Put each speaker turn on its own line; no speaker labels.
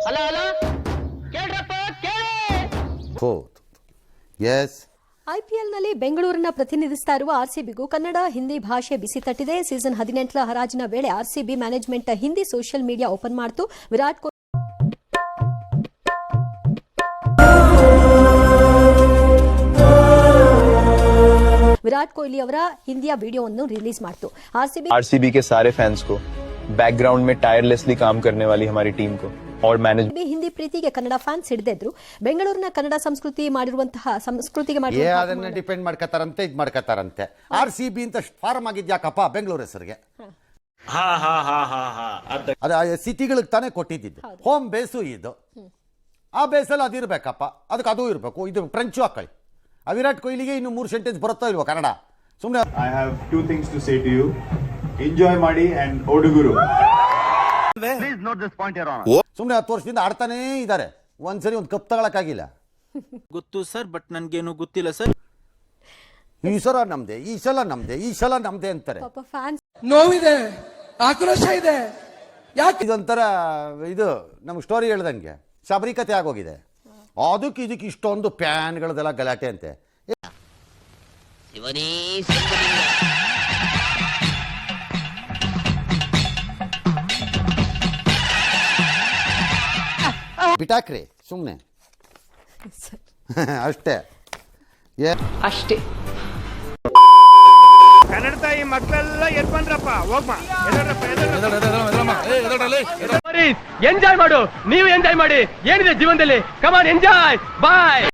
Hello hello ಕೇಳ್ರಪ್ಪ ಕೇಳಿ.
S.
ಐಪಿಎಲ್ನಲ್ಲಿ ಬೆಂಗಳೂರನ್ನ ಪ್ರತಿನಿಧಿಸ್ತಾ ಇರುವ ಆರ್ಸಿಬಿಗೂ ಕನ್ನಡ ಹಿಂದಿ ಭಾಷೆ ಬಿಸಿ ತಟ್ಟಿದೆ. ಸೀಸನ್ 18ರ ಹರಾಜಿನ ವೇಳೆ RCB management Hindi social media open ಮಾಡಿತು. ವಿರಾಟ್ ಕೊಹ್ಲಿ ಅವರ ಹಿಂದಿಯ ವಿಡಿಯೋವನ್ನು ರಿಲೀಸ್ ಮಾಡಿತು.
आरसीबी के सारे फैंस को, बैकग्राउंड में टायरलेसली काम करने वाली हमारी टीम को और मैनेज
ಹಿಂದಿ ಪ್ರೀತಿಗೆ ಕನ್ನಡ ಫ್ಯಾನ್ಸ್ ಹಿಡಿದಿದ್ರು. ಬೆಂಗಳೂರಿನ ಕನ್ನಡ ಸಂಸ್ಕೃತಿಗೆ
ಅದನ್ನ ಡಿಪೆಂಡ್ ಮಾಡ್ಕತಾರಂತೆ, ಇದು ಮಾಡ್ಕತಾರಂತೆ. RCB ಅಂತ ಫಾರ್ಮ್ ಆಗಿದ್ಯಾಕಪ್ಪ ಬೆಂಗಳೂರು ಹೆಸರಿಗೆ? ಅದು ಸಿಟಿಗಳಿಗೆ ತಾನೇ ಕೊಟ್ಟಿದ್ದು. ಹೋಮ್ ಬೇಸು ಇದು. ಆ ಬೇಸಲ್ಲಿ ಅದಿರ್ಬೇಕಪ್ಪ, ಅದಕ್ಕೆ ಅದು ಇರಬೇಕು. ಇದು ಫ್ರೆಂಚು ಹಾಕೊಳ್ಳಿ. ವಿರಾಟ್ ಕೊಹ್ಲಿಗೆ ಇನ್ನು 3 ಸೆಂಟೆನ್ಸ್ ಬರುತ್ತೋ ಇಲ್ವೋ ಕನ್ನಡ? ಸುಮ್ಮನೆ
I have 2 things to say to you. Enjoy ಮಾಡಿ ಅಂಡ್ ಓಡುಗುರು.
ಸುಮ್ಮನೆ 10 ವರ್ಷದಿಂದ ಆಡ್ತಾನೇ ಇದ್ದಾರೆ. ಒಂದ್ಸರಿ ಒಂದು ಕಪ್ ತಗೊಳಕ್ಕಾಗಿಲ್ಲ.
ಗೊತ್ತು ಸರ್, ಬಟ್ ನನ್ಗೇನು ಗೊತ್ತಿಲ್ಲ ಸರ್.
ಈ ಸಲ ನಮ್ದೆ, ಈ ಸಲ ನಮ್ದೆ, ಈ ಸಲ ನಮ್ದೆ ಅಂತಾರೆ.
ನೋವಿದೆ, ಆಕ್ರೋಶ ಇದೆ. ಯಾಕೆ
ಇದೊಂಥರ ಇದು ನಮ್ಗೆ ಸ್ಟೋರಿ ಹೇಳ್ದಂಗೆ ಶಬರಿಕತೆ ಆಗೋಗಿದೆ. ಅದಕ್ಕೆ ಇದಕ್ಕೆ ಇಷ್ಟೊಂದು ಪ್ಯಾನ್ಗಳದೆಲ್ಲ ಗಲಾಟೆ ಅಂತೆ. ಬಿಟಾಕ್ರಿ ಸುಮ್ಮನೆ ಅಷ್ಟೇ
ಅಷ್ಟೇ.
ಕನ್ನಡ ತಾಯಿ ಮಕ್ಕಳೆಲ್ಲ ಎದ್ ಬಂದ್ರಪ್ಪ, ಹೋಗ್ಮ ಎಂಜಾಯ್ ಮಾಡು, ನೀವು ಎಂಜಾಯ್ ಮಾಡಿ. ಏನಿದೆ ಜೀವನದಲ್ಲಿ, ಕಮಾನ್ ಎಂಜಾಯ್, ಬಾಯ್.